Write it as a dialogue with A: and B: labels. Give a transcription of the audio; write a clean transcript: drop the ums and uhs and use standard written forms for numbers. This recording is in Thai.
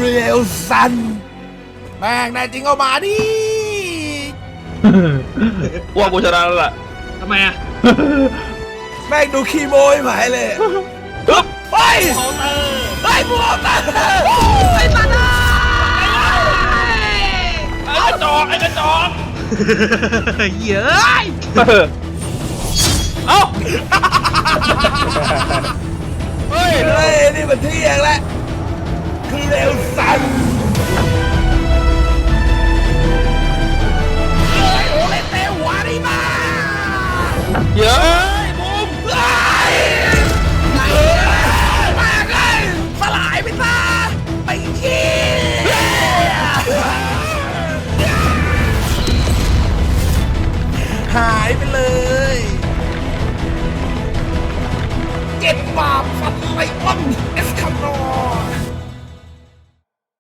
A: เรียลซันแม่งนายจริงเอามาดิ
B: ว่ากูชนะแล้วล่ะ
C: ทำไมอ่ะ
A: แม่งดูขี้โมยหมายเลย
B: ปึ๊บ
A: เฮ้ย
C: เคาน์เตอร์
A: เฮ้ยบัวตา
C: ไอ้สัตว์
B: ไอ้กระจอกไอ้กระจอก
C: เย้ย
B: เอ้าเฮ้ย
A: เฮ้ยนี่มันเที่ยงแล้วคือเร็วซันเฮ้ยโอเลเตวาริมา
B: เย้ยบูม
A: เฮ้ยมาเลยสลายไปซะไปขี้หายไปเลยเจ็บบาปฟันไลออนเอ